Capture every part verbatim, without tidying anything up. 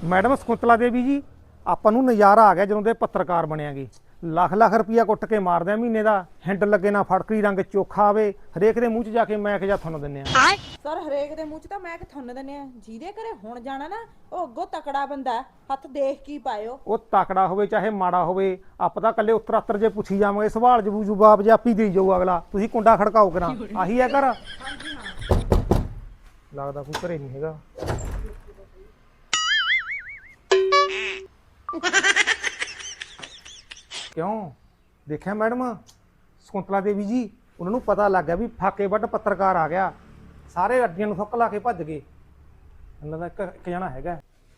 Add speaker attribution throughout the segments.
Speaker 1: Madam Shakuntala Devi जी ਆਪਾਂ ਨੂੰ ਨਜ਼ਾਰਾ ਆ ਗਿਆ ਜਦੋਂ ਦੇ ਪੱਤਰਕਾਰ ਬਣਿਆਗੇ। ਲੱਖ ਲੱਖ ਰੁਪਈਆ ਕੁੱਟ ਕੇ ਮਾਰਦੇ ਆ ਮਹੀਨੇ ਦਾ। ਹੈਂਡ ਲੱਗੇ ਨਾ ਫੜਕਰੀ ਰੰਗ ਚੋਖਾ ਆਵੇ ਹਰੇਕ ਦੇ ਮੂੰਹ 'ਚ ਜਾ ਕੇ ਮੈਂ ਕਿ ਜਾ ਤੁਹਾਨੂੰ ਦਿੰਨੇ ਆ।
Speaker 2: ਸਰ ਹਰੇਕ ਦੇ ਮੂੰਹ 'ਚ ਤਾਂ ਮੈਂ ਕਿ ਤੁਹਾਨੂੰ ਦਿੰਨੇ ਆ। ਜਿਹਦੇ ਘਰੇ ਹੁਣ ਜਾਣਾ ਨਾ ਉਹ ਅੱਗੋਂ ਤਕੜਾ ਬੰਦਾ ਹੱਥ ਦੇਖ ਕੀ ਪਾਇਓ।
Speaker 1: ਉਹ ਤਕੜਾ ਹੋਵੇ ਚਾਹੇ ਮਾੜਾ ਹੋਵੇ ਆਪਾਂ ਤਾਂ ਕੱਲੇ ਉੱਤਰ ਜੇ ਪੁੱਛੀ ਜਾਵਾਂਗੇ ਸਵਾਲ ਜਬੂ ਜਵਾਬ ਜੇ ਆਪੀ ਦੇਈ ਜਾਊ ਅਗਲਾ। ਤੁਸੀਂ ਕੁੰਡਾ ਖੜਕਾਓ ਕਰਾਂ ਆਹੀ ਹੈ ਘਰ।
Speaker 2: ਹਾਂਜੀ ਹਾਂ
Speaker 1: ਲੱਗਦਾ ਕੋਈ ਘਰੇ ਨਹੀਂ ਹੈਗਾ। क्यों देखा मैडम शकुंतला देवी जी उन्होंने पता लग गया भी फाके वट पत्रकार आ गया। सारे अड्डियां नूं सुक ला के भज गए। उन्होंने एक एक जना हैगा।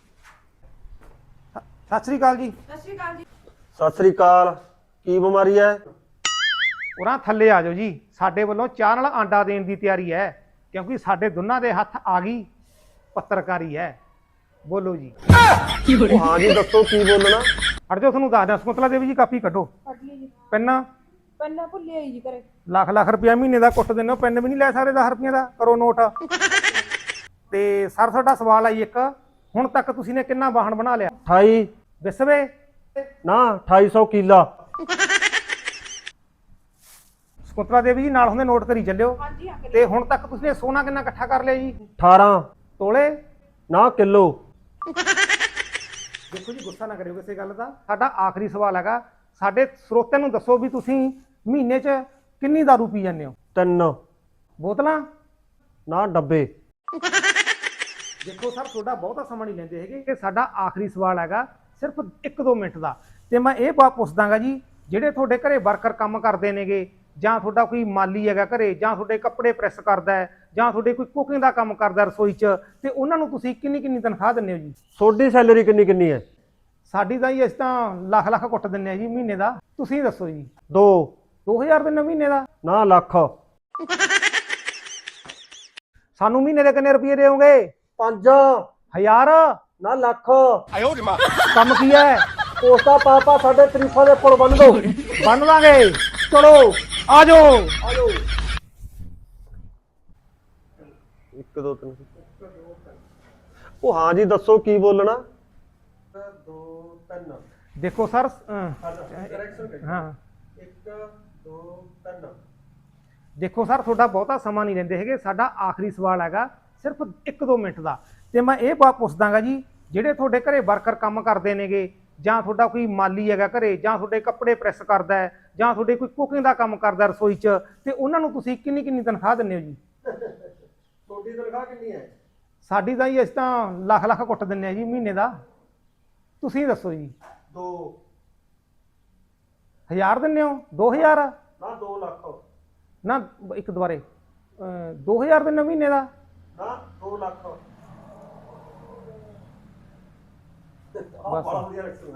Speaker 1: सत श्री अकाल जी।
Speaker 2: ਸਤਿ ਸ਼੍ਰੀ ਅਕਾਲ ਜੀ।
Speaker 3: सत श्री अकाल की बीमारी है?
Speaker 1: उरां थल्ले आ जाओ जी। साडे वल्लों चाह नाल आंडा देण दी तैयारी है क्योंकि साडे दोनों दे हत्थ आ गई पत्रकारी है। बोलो जी।
Speaker 3: ओ हाँ जी दसो की बोलना।
Speaker 1: अड़ जाओ थोनू दस दियां। शकुंतला देवी जी कापी कड्डो।
Speaker 2: ਕੱਢ ਲਈ ਜੀ।
Speaker 1: पेन
Speaker 2: ਪੰਨਾ ਭੁੱਲੇ ਆਈ ਜੀ ਘਰੇ।
Speaker 1: ਲੱਖ ਲੱਖ ਰੁਪਇਆ ਮਹੀਨੇ ਦਾ ਕੁੱਟ ਦਿੰਦੇ ਹੋ। ਪੈਨ ਵੀ ਨਹੀਂ ਲੈ ਸਕਦੇ ਦਸ ਰੁਪਈਆਂ ਦਾ। ਕਰੋ ਨੋਟ। ਤੇ ਸਰ ਤੁਹਾਡਾ ਸਵਾਲ ਆਈ ਇੱਕ ਹੁਣ ਤੱਕ ਤੁਸੀਂ ਨੇ ਕਿੰਨਾ ਵਾਹਣ ਬਣਾ ਲਿਆ?
Speaker 3: अठाई
Speaker 1: ਵਿਸਵੇ
Speaker 3: ना अठाई सौ किला।
Speaker 1: ਸ਼ਕੁੰਤਲਾ ਦੇਵੀ ਜੀ ਨਾਲ ਹੁੰਦੇ ਨੋਟ ਕਰੀ ਚੱਲਿਓ।
Speaker 2: ਹਾਂਜੀ ਹਾਂ
Speaker 1: ਤੇ ਹੁਣ ਤੱਕ ਤੁਸੀਂ ਨੇ ਸੋਨਾ ਕਿੰਨਾ ਇਕੱਠਾ ਕਰ ਲਿਆ ਜੀ?
Speaker 3: अठारह
Speaker 1: ਤੋਲੇ?
Speaker 3: ना किलो।
Speaker 1: ਦੇਖੋ ਜੀ ਗੁੱਸਾ ਨਾ ਕਰਿਓ ਕਿਸੇ ਗੱਲ ਦਾ। ਸਾਡਾ ਆਖਰੀ ਸਵਾਲ ਹੈਗਾ ਸਾਡੇ ਸਰੋਤਿਆਂ ਨੂੰ ਦੱਸੋ ਵੀ ਤੁਸੀਂ ਮਹੀਨੇ 'ਚ ਕਿੰਨੀ ਦਾਰੂ ਪੀ ਜਾਂਦੇ ਹੋ?
Speaker 3: तीन
Speaker 1: ਬੋਤਲਾਂ?
Speaker 3: ना डब्बे।
Speaker 1: ਦੇਖੋ ਸਰ ਤੁਹਾਡਾ ਬਹੁਤਾ ਸਮਾਂ ਨਹੀਂ ਲੈਂਦੇ ਹੈਗੇ ਕਿ ਸਾਡਾ ਆਖਰੀ ਸਵਾਲ ਹੈਗਾ ਸਿਰਫ ਇੱਕ ਦੋ ਮਿੰਟ ਦਾ। ਤੇ ਮੈਂ ਇਹ ਬਾਤ ਪੁੱਛਦਾਗਾ ਜੀ ਜਿਹੜੇ ਤੁਹਾਡੇ ਘਰੇ ਵਰਕਰ ਕੰਮ ਕਰਦੇ ਨੇਗੇ ਜਾਂ ਤੁਹਾਡਾ ਕੋਈ ਮਾਲੀ ਹੈਗਾ ਘਰੇ ਜਾਂ ਤੁਹਾਡੇ ਕੱਪੜੇ ਪ੍ਰੈਸ ਕਰਦਾ ਹੈ ਜਾਂ ਤੁਹਾਡੇ ਕੋਈ ਕੁਕਿੰਗ ਦਾ ਕੰਮ ਕਰਦਾ ਰਸੋਈ 'ਚ ਤੇ ਉਹਨਾਂ ਨੂੰ ਤੁਸੀਂ ਕਿੰਨੀ ਕਿੰਨੀ ਤਨਖਾਹ ਦਿੰਦੇ ਹੋ ਜੀ?
Speaker 3: सोडी सैलरी किन्नी किन्नी है?
Speaker 1: ਸਾਡੀ ਤਾਂ ਜੀ ਅਸੀਂ ਤਾਂ ਲੱਖ ਲੱਖ ਕੁੱਟ ਦਿੰਦੇ ਆ ਜੀ ਮਹੀਨੇ ਦਾ। ਤੁਸੀਂ ਦੱਸੋ ਜੀ।
Speaker 3: दो
Speaker 1: ਦੋ ਹਜ਼ਾਰ ਦਿੰਦੇ ਹੋ ਮਹੀਨੇ ਦਾ?
Speaker 3: ना लख।
Speaker 1: ਸਾਨੂੰ ਮਹੀਨੇ ਦੇ ਕਿੰਨੇ ਰੁਪਏ ਦੇਵੋਗੇ?
Speaker 3: पांच
Speaker 1: ਹਜ਼ਾਰ?
Speaker 3: ना लख।
Speaker 1: ਕੰਮ ਕੀ ਹੈ?
Speaker 3: पोस्टा पापा साढ़े तरीफा दे पुल बन दो।
Speaker 1: ਬੰਨ ਲਾਂਗੇ। ਚਲੋ ਆ ਜਾਓ।
Speaker 3: आजो एक दो तीन। ओ हाँ जी दसो की बोलना। दो तीन।
Speaker 1: ਦੇਖੋ ਸਰ ਹਾਂ
Speaker 3: एक दो तीन।
Speaker 1: ਦੇਖੋ ਸਰ ਤੁਹਾਡਾ ਬਹੁਤਾ ਸਮਾਂ ਨਹੀਂ ਲੈਂਦੇ ਹੈਗੇ। ਸਾਡਾ ਆਖਰੀ ਸਵਾਲ ਹੈਗਾ ਸਿਰਫ ਇੱਕ ਦੋ ਮਿੰਟ ਦਾ। ਤੇ ਮੈਂ ਇਹ ਬਾਤ ਪੁੱਛਦਾਗਾ ਜੀ ਜਿਹੜੇ ਤੁਹਾਡੇ ਘਰੇ ਵਰਕਰ ਕੰਮ ਕਰਦੇ ਨੇਗੇ ਜਾਂ ਤੁਹਾਡਾ ਕੋਈ ਮਾਲੀ ਹੈਗਾ ਘਰੇ ਜਾਂ ਤੁਹਾਡੇ ਕੱਪੜੇ ਪ੍ਰੈਸ ਕਰਦਾ ਹੈ ਜਾਂ ਤੁਹਾਡੇ ਕੋਈ ਕੁਕਿੰਗ ਦਾ ਕੰਮ ਕਰਦਾ ਰਸੋਈ 'ਚ ਤੇ ਉਹਨਾਂ ਨੂੰ ਤੁਸੀਂ ਕਿੰਨੀ ਕਿੰਨੀ ਤਨਖਾਹ ਦਿੰਦੇ ਹੋ ਜੀ?
Speaker 3: ਤੁਹਾਡੀ ਤਨਖਾਹ ਕਿੰਨੀ ਹੈ?
Speaker 1: ਸਾਡੀ ਤਾਂ ਜੀ ਅਸੀਂ ਤਾਂ ਲੱਖ ਲੱਖ ਕੁੱਟ ਦਿੰਦੇ ਆ ਜੀ ਮਹੀਨੇ ਦਾ। ਤੁਸੀਂ ਦੱਸੋ ਜੀ।
Speaker 3: ਦੋ
Speaker 1: ਹਜ਼ਾਰ ਦਿੰਦੇ ਹੋ? ਦੋ ਹਜ਼ਾਰ?
Speaker 3: ਨਾ ਦੋ ਲੱਖ।
Speaker 1: ਨਾ ਇੱਕ ਦੁਬਾਰੇ ਦੋ ਹਜ਼ਾਰ ਦਿੰਦੇ ਹੋ ਮਹੀਨੇ ਦਾ?
Speaker 3: ਨਾ ਦੋ ਲੱਖ।
Speaker 1: ਬਸ।
Speaker 3: ਬੜਾ ਵਧੀਆ